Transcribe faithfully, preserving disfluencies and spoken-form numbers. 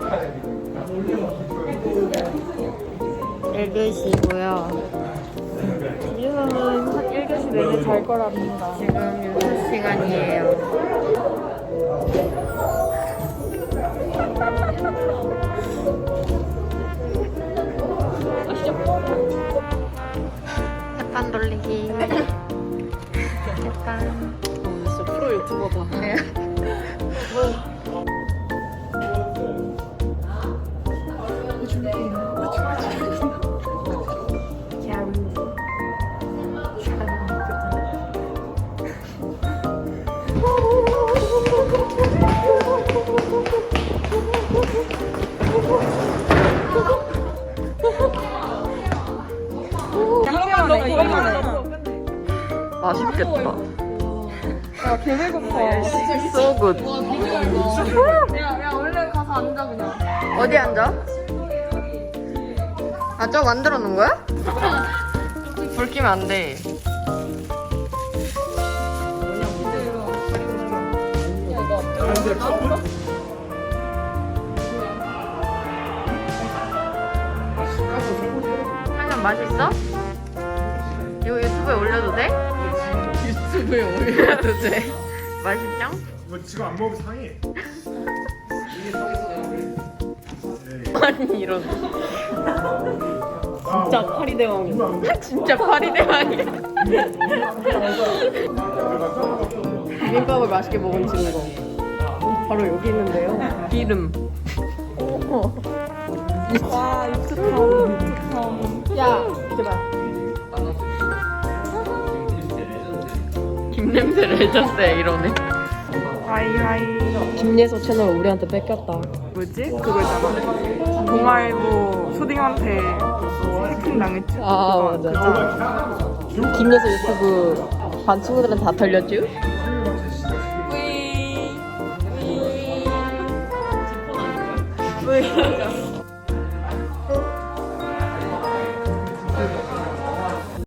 일 교시고요. 지금은 일 교시 내내 잘 거랍니다. 지금 여섯 시간이에요. 햇반 돌리기. 햇반. 진짜 프로 유튜버다. 네. 맛있겠다. 야, 개 배고파. So good. 야, 야, 얼른 가서 앉아, 그냥. 어디 앉아? 아, 저거 만들어 놓은 거야? 불 켜면 안 돼. 한잔 맛있어? 이거 유튜브에 올려도 돼? 유튜브에 올려도 돼. 맛있죠? 이거 지금 안 먹으면 상해. 아니 이런. 진짜 파리대왕이야. 진짜 파리대왕이야. 비빔밥을 맛있게 먹은 증거. 바로 여기 있는데요. 기름. 와, 유튜브. 유튜브. 야, 이렇게 봐. 김냄새 레전드야 이러네. 하이하이. 김예서 채널 우리한테 뺏겼다. 뭐지? 그거 있잖아. 동아일보 초딩한테 해킹 당했지? 아, 그거, 맞아. 그거. 김예서 유튜브 반 친구들은 다 털렸죠? 뿌이.